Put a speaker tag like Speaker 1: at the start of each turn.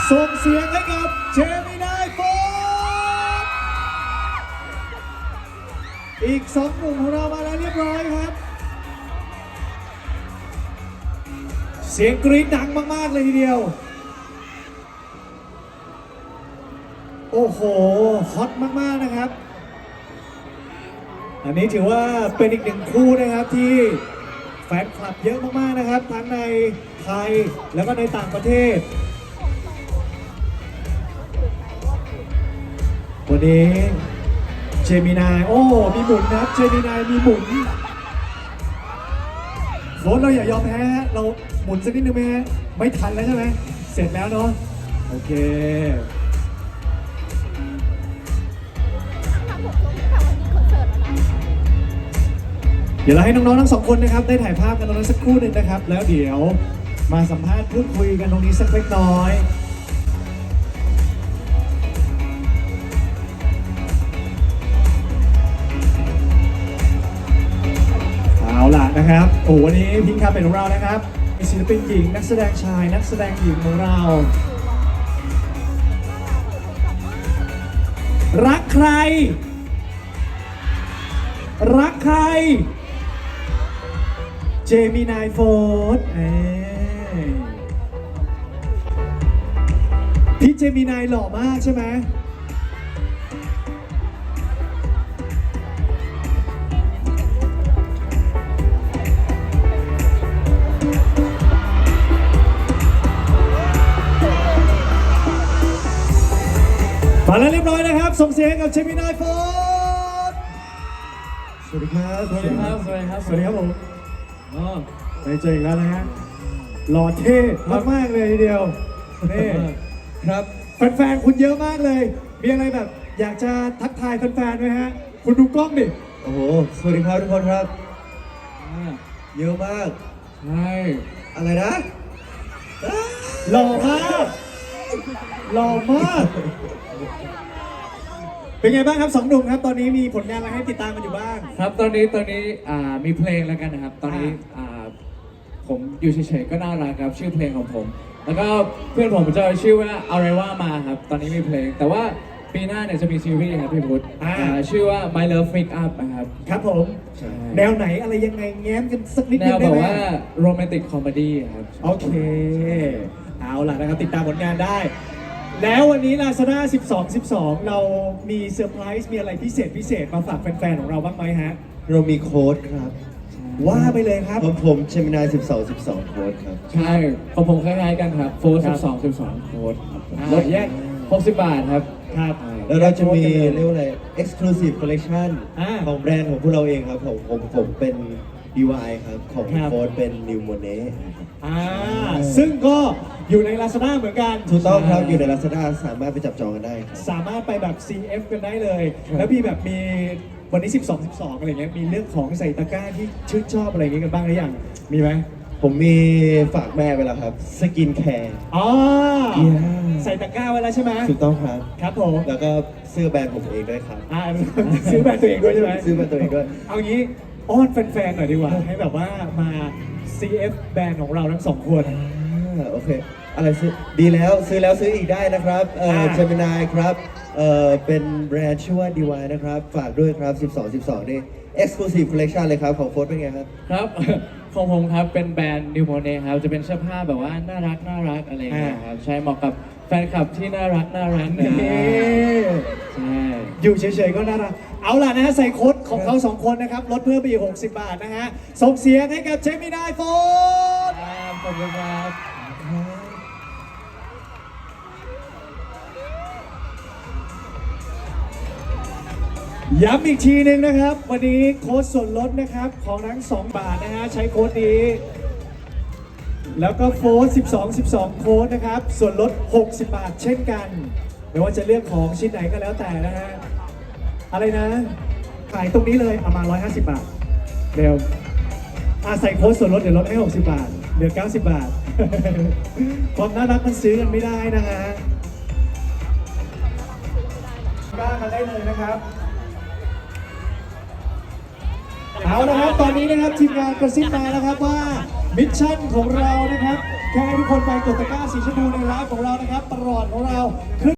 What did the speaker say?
Speaker 1: ส่งเสียงให้กับเจมินายโฟร์อีก2 หนุ่มของเรามาแล้วเรียบร้อยครับ เสียงกรี๊ดดังมากๆเลยทีเดียวโอ้โหฮอตมากๆนะครับอันนี้ถือว่าเป็นอีก1 คู่นะครับที่แฟนคลับเยอะมากๆนะครับทั้งในไทยแล้วก็ในต่างประเทศวันนี้เจมินายโอ้มีหมุนนะครับเจมินายมีหมุนโฟนเราอย่ายอมแพ้เราหมุนสักนิดนึงไหมฮะไม่ทันแล้วใช่ไหมเสร็จแล้วเนาะโอเคเดี๋ยวเราให้น้องๆทั้ง2 คนนะครับได้ถ่ายภาพกันตรงนั้นสักครู่หนึ่งนะครับแล้วเดี๋ยวมาสัมภาษณ์พูดคุยกันตรงนี้สักเล็กน้อยเอาล่ะนะครับโอ้วันนี้พิงค์คาเป็นของเรานะครับมีศิลปินหญิงนักแสดงชายนักแสดงหญิงของเรารักใครรักใครเจมินายโฟร์พี่เจมินายหล่อมากใช่ไหมมาแล้วเรียบร้อยนะครับส่งเสียงกับเจมินายโฟร์สวัสดีครับสวัสดีครับสวัสดีครับสวัสดีครับผมได้เจออีกแล้วนะฮะหล่อเท่มากๆเลยทีเดียวนี่ครับแฟนๆคุณเยอะมากเลยมีอะไรแบบอยากจะทักทายแฟนๆไหมฮะคุณดูกล้องดิ
Speaker 2: โอ้โหสวัสดีครับทุกคนครับเยอะมาก
Speaker 1: ใช่
Speaker 2: อะไรนะ
Speaker 1: หล่อมากหล่อมากเป็นไงบ้างครับ2 หนุ่มครับตอนนี้มีผลงานอะไรให้ติดตามกันอยู่บ้าง
Speaker 3: ครับตอนนี้มีเพลงแล้วกันนะครับตอนนี้ผมอยู่เฉยๆก็น่ารักครับชื่อเพลงของผมแล้วก็เพื่อนผมจะชื่อว่าอะไรว่ามาครับตอนนี้มีเพลงแต่ว่าปีหน้าเนี่ยจะมีซีรีส์ครับพี่พุทธชื่อว่า My Love Make Up นะครับ
Speaker 1: ครับผมแนวไหนอะไรยังไงแง้มกันสักนิดนึง
Speaker 3: แนวแบบว่าโรแมนติกคอมเมดี้ครับ
Speaker 1: โอเคเอาล่ะนะครับติดตามผลงานได้แล้ววันนี้ Lazada 12/12 เรามีเซอร์ไพรส์มีอะไรพิเศษมาฝากแฟนๆของเราบ้างไหมฮะ
Speaker 2: เรามีโค้ดครับ
Speaker 1: ว่าไปเลยครับ
Speaker 2: ผมเจมินาย12โค้ดครับ
Speaker 3: ใช่ของผมคล้ายๆกันครับโฟร์12โค้ดลดแยก60 บาทครับ
Speaker 1: ครับ
Speaker 2: แล้วเราจะมีเรียกว่าอะไร Exclusive Collection ของแบรนด์ของพวกเราเองครับผมเป็น DY ครับของโค้ดเป็น New Monet
Speaker 1: ซึ่งก็อยู่ใน Lazada เหมือนกัน
Speaker 2: ถูกต้องครับอยู่ใน Lazada สามารถไปจับจองกันได้ครับ
Speaker 1: สามารถไปแบบ CF กันได้เลยแล้วมีแบบมีวันนี้12/12อะไรเงี้ยมีเรื่องของใส่ตะกร้าที่ชื่นชอบอะไรเงี้ยกันบ้างหรือยังมีไหม
Speaker 2: ผมมีฝากแม่ไปแล้วครับสกินแคร์
Speaker 1: ใส่ตะกร้าไว้แล้วใช่ไหม
Speaker 2: ถูกต้องครับ
Speaker 1: ครับผม
Speaker 2: แล้วก็เสื้อแบรนด์ผมเองด้วยครับ
Speaker 1: ซื้อแบรนด์ตัวเองด้วยใช่ไหม
Speaker 2: ซื้อแบรนด์ตัวเองด้วย
Speaker 1: เอางี้อ้อนแฟนๆหน่อยดีกว่าให้แบบว่ามา CF แบรนด์ของเราทั้ง2 คน
Speaker 2: โอเคอะไรซื้อดีแล้วซื้ออีกได้นะครับเจมินายครับเป็นแบรนด์ชื่อว่า DY นะครับฝากด้วยครับ12/12นี่ Exclusive Collection เลยครับของโค้ดเป็นไงครับ
Speaker 3: ครับของผมครับเป็นแบรนด์ New Monet ครับจะเป็นเสื้อผ้าแบบว่าน่ารักอะไรอย่างเงี้ยครับใช่เหมาะกับแฟนคลับที่น่ารักนะใช่
Speaker 1: อยู่เฉยๆก็น่ารักเอาล่ะนะใส่โค้ดของเขา2 คนนะครับลดเพิ่มไปอีก60 บาทนะฮะส่งเสียงให้กับเจมินายโฟร์
Speaker 3: ขอบคุณครับ
Speaker 1: ย้ำอีกทีนึงนะครับวันนี้โค้ดส่วนลดนะครับของทั้ง2 บาทนะฮะใช้โค้ดนี้แล้วก็โฟร์12โค้ดนะครับส่วนลด60 บาทเช่นกันไม่ว่าจะเลือกของชิ้นไหนก็แล้วแต่นะฮะอะไรนะขายตรงนี้เลยเอามา150 บาทเร็วใส่โค้ดส่วนลดเดี๋ยวลดให้60 บาทเหลือ90 บาทความน่ารักมันซื้อกันไม่ได้นะฮะกล้ามาได้เลยนะครับเอาละครับตอนนี้นะครับทีมงานกระซิบมาแล้วครับว่ามิชชั่นของเรานะครับแค่ให้ทุกคนไปกดตะกร้าสีชมพูในไลฟ์ของเรานะครับตลอดของเราขึ้น